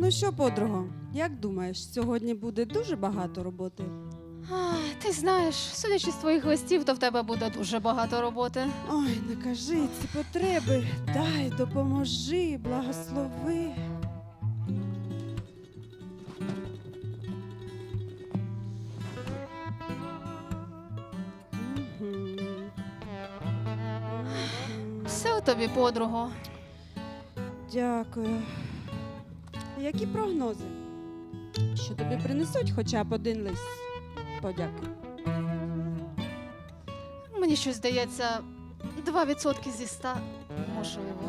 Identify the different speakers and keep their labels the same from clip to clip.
Speaker 1: Ну що, подруго, як думаєш, сьогодні буде дуже багато роботи?
Speaker 2: Ти знаєш, судячи з твоїх листів, то в тебе буде дуже багато роботи.
Speaker 1: Ой, не кажи ці потреби. Дай, допоможи, благослови. Мгм.
Speaker 2: Все у тобі, подруго.
Speaker 1: Дякую. Які прогнози? Що тобі принесуть хоча б один лист подяки?
Speaker 2: Мені щось здається, 2% зі 100 можливо.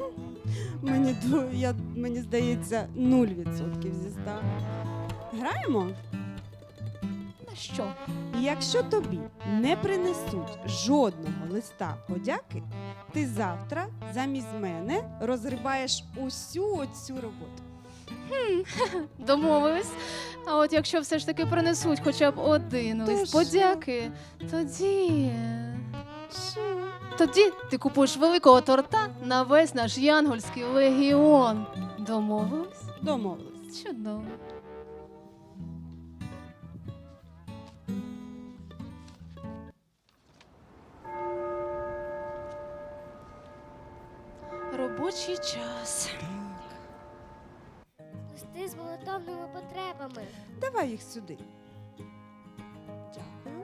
Speaker 1: Мені здається, 0% зі 100. Граємо?
Speaker 2: На що?
Speaker 1: Якщо тобі не принесуть жодного листа подяки, ти завтра замість мене розриваєш усю оцю роботу.
Speaker 2: Домовились. А от якщо все ж таки принесуть хоча б один
Speaker 1: То
Speaker 2: лист
Speaker 1: що?
Speaker 2: подяки, тоді...
Speaker 1: Що?
Speaker 2: Тоді ти купуєш великого торта на весь наш янгольський легіон. Домовились?
Speaker 1: Домовились.
Speaker 2: Чудово. Робочий час.
Speaker 3: Листи з молитовними потребами.
Speaker 1: Давай їх сюди. Дякую.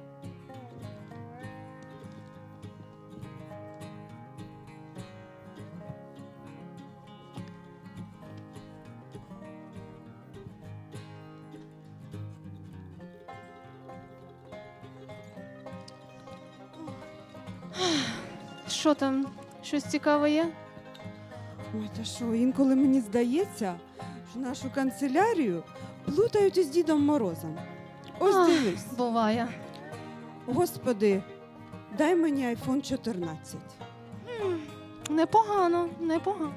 Speaker 2: Що там? Щось цікаве є?
Speaker 1: Ой, та що, інколи мені здається, що нашу канцелярію плутають із Дідом Морозом. Ось
Speaker 2: Ах.
Speaker 1: дивись.
Speaker 2: Буває.
Speaker 1: Господи, дай мені iPhone 14.
Speaker 2: Непогано, непогано.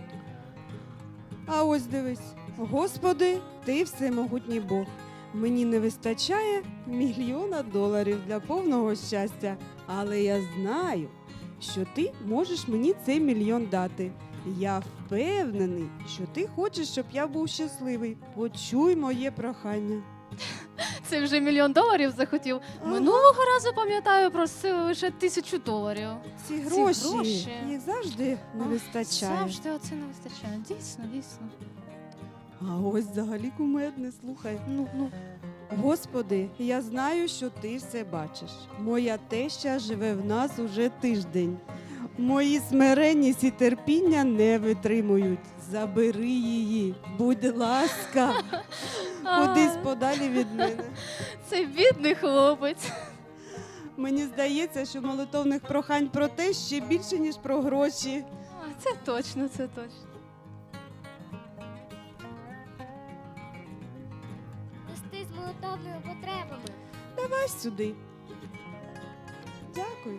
Speaker 1: А ось дивись. Господи, ти всемогутній Бог. Мені не вистачає $1 мільйон для повного щастя. Але я знаю, що ти можеш мені цей мільйон дати. Я впевнений, що ти хочеш, щоб я був щасливий. Почуй моє прохання.
Speaker 2: Це вже $1 мільйон захотів.
Speaker 1: Ага.
Speaker 2: Минулого разу, пам'ятаю, просили лише $1000.
Speaker 1: Ці гроші,
Speaker 2: гроші.
Speaker 1: їх завжди не вистачає.
Speaker 2: Завжди оце не вистачає. Дійсно, дійсно.
Speaker 1: А ось взагалі кумедне, слухай.
Speaker 2: Ну.
Speaker 1: Господи, я знаю, що ти все бачиш. Моя теща живе в нас уже тиждень. Мої смиренність і терпіння не витримують. Забери її, будь ласка, кудись подалі від мене.
Speaker 2: Це бідний хлопець.
Speaker 1: Мені здається, що молитовних прохань про те ще більше, ніж про гроші.
Speaker 2: Це точно, це точно.
Speaker 3: Листи з молитовними потребами.
Speaker 1: Давай сюди. Дякую.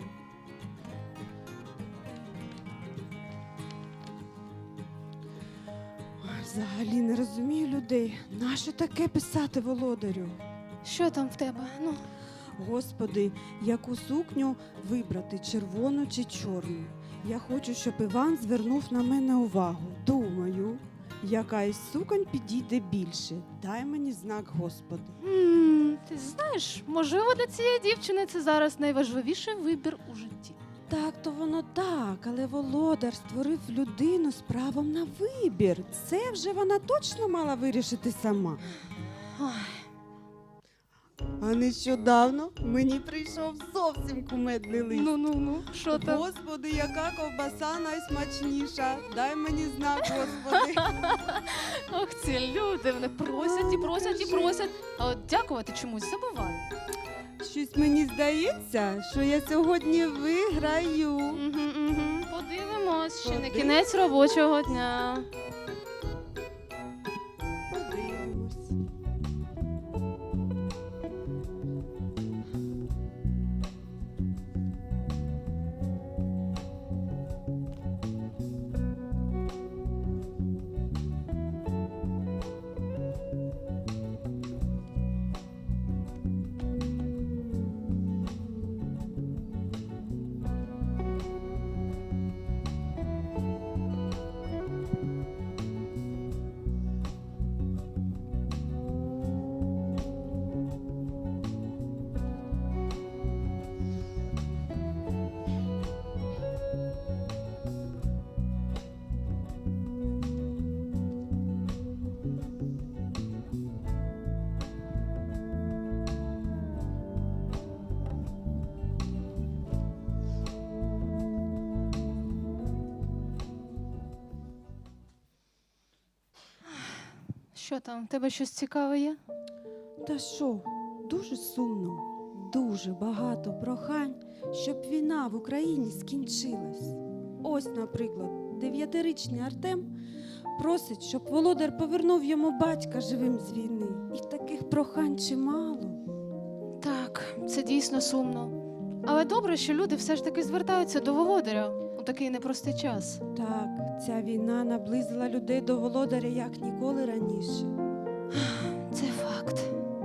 Speaker 1: Ой, взагалі не розумію людей. Нащо таке писати володарю?
Speaker 2: Що там в тебе? Ну.
Speaker 1: Господи, яку сукню вибрати, червону чи чорну? Я хочу, щоб Іван звернув на мене увагу. Думаю, яка із суконь підійде більше. Дай мені знак, Господи.
Speaker 2: Ти знаєш, можливо, для цієї дівчини це зараз найважливіший вибір у житті.
Speaker 1: Так, то воно так, але володар створив людину з правом на вибір. Це вже вона точно мала вирішити сама.
Speaker 2: Ой.
Speaker 1: А нещодавно мені прийшов зовсім кумедний лист.
Speaker 2: Ну, що там?
Speaker 1: Господи, яка ковбаса найсмачніша. Дай мені знак, Господи.
Speaker 2: Ох, ці люди, вони просять і просять і просять. А от дякувати чомусь забувають.
Speaker 1: Щось мені здається, що я сьогодні виграю.
Speaker 2: Подивимось, ще не
Speaker 1: Подивимось.
Speaker 2: кінець робочого дня.
Speaker 1: Подивимось.
Speaker 2: Що там, в тебе щось цікаве є?
Speaker 1: Та що, дуже сумно, дуже багато прохань, щоб війна в Україні скінчилась. Ось, наприклад, 9-річний Артем просить, щоб володар повернув йому батька живим з війни. І таких прохань чимало.
Speaker 2: Так, це дійсно сумно. Але добре, що люди все ж таки звертаються до володаря у такий непростий час.
Speaker 1: Так, ця війна наблизила людей до володаря як ніколи раніше.
Speaker 2: Це факт.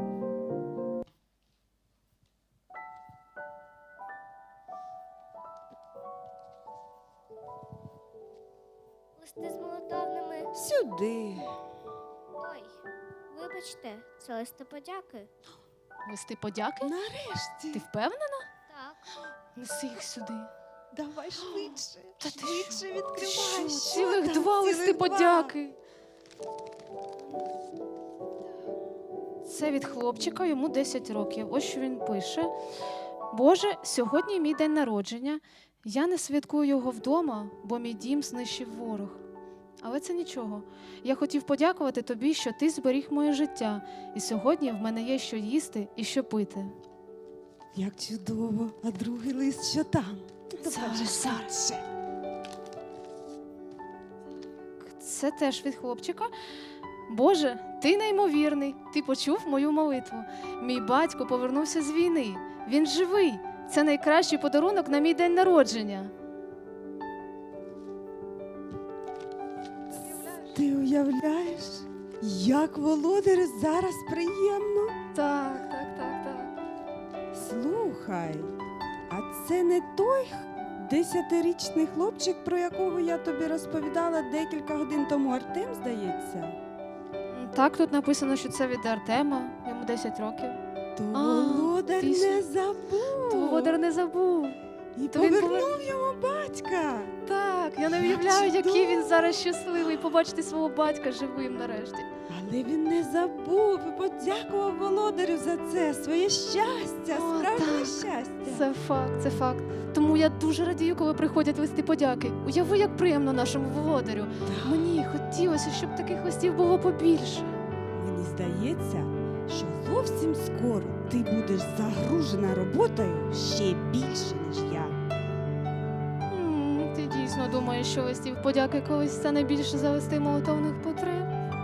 Speaker 3: Листи з молитовними.
Speaker 1: Сюди.
Speaker 3: Ой, вибачте, це листи подяки.
Speaker 2: Листи подяки?
Speaker 1: Нарешті.
Speaker 2: Ти впевнена?
Speaker 3: Так.
Speaker 2: Неси їх сюди.
Speaker 1: Давай швидше.
Speaker 2: Та ти
Speaker 1: Швидше
Speaker 2: Ти
Speaker 1: відкривай.
Speaker 2: що,
Speaker 1: Що
Speaker 2: цілих
Speaker 1: там?
Speaker 2: два листи
Speaker 1: Цілих два.
Speaker 2: подяки. Це від хлопчика, йому 10 років. Ось що він пише. Боже, сьогодні мій день народження. Я не святкую його вдома, бо мій дім знищив ворог. Але це нічого. Я хотів подякувати тобі, що ти зберіг моє життя. І сьогодні в мене є що їсти і що пити.
Speaker 1: Як чудово. А другий лист що там?
Speaker 2: Зараз. Це теж від хлопчика. Боже, ти неймовірний. Ти почув мою молитву. Мій батько повернувся з війни. Він живий. Це найкращий подарунок на мій день народження.
Speaker 1: Ти уявляєш, як володарю зараз приємно?
Speaker 2: Так, так, так, так.
Speaker 1: Слухай, а це не той 10-річний хлопчик, про якого я тобі розповідала декілька годин тому, Артем, здається?
Speaker 2: Так, тут написано, що це від Артема, йому 10 років.
Speaker 1: То
Speaker 2: А,
Speaker 1: володар
Speaker 2: ти
Speaker 1: не забув.
Speaker 2: То Володар не забув.
Speaker 1: І
Speaker 2: то він
Speaker 1: повернув йому батька.
Speaker 2: Так, я не
Speaker 1: Як
Speaker 2: уявляю, який
Speaker 1: чудово.
Speaker 2: він зараз щасливий побачити свого батька живим нарешті.
Speaker 1: Але він не забув і подякував володарю за це, своє щастя,
Speaker 2: О,
Speaker 1: справжнє
Speaker 2: так.
Speaker 1: щастя.
Speaker 2: Це факт, це факт. Тому я дуже радію, коли приходять листи подяки. Уяви, як приємно нашому володарю. Мені хотілося, щоб таких листів було побільше.
Speaker 1: Мені здається, що зовсім скоро ти будеш загружена роботою ще більше, ніж я.
Speaker 2: Ти дійсно думаєш, що листів подяки колись стане більше за листи молитовних потреб?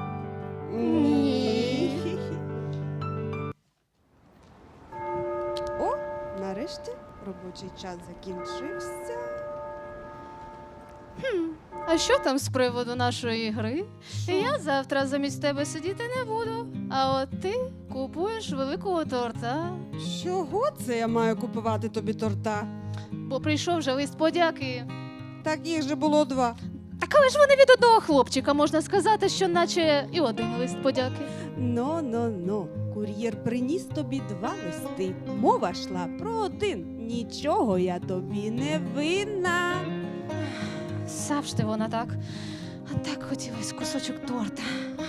Speaker 2: Ні.
Speaker 1: О, нарешті робочий час закінчився.
Speaker 2: А що там з приводу нашої гри? Я завтра замість тебе сидіти не буду. А от ти купуєш великого торта.
Speaker 1: Чого це я маю купувати тобі торта?
Speaker 2: Бо прийшов вже лист подяки.
Speaker 1: Так їх же було 2.
Speaker 2: А коли ж вони від одного хлопчика, можна сказати, що наче і один лист подяки.
Speaker 1: Ну. Кур'єр приніс тобі 2 листи. Мова йшла про 1. Нічого я тобі не винна.
Speaker 2: Завжди вона так. А так хотілося кусочок торта.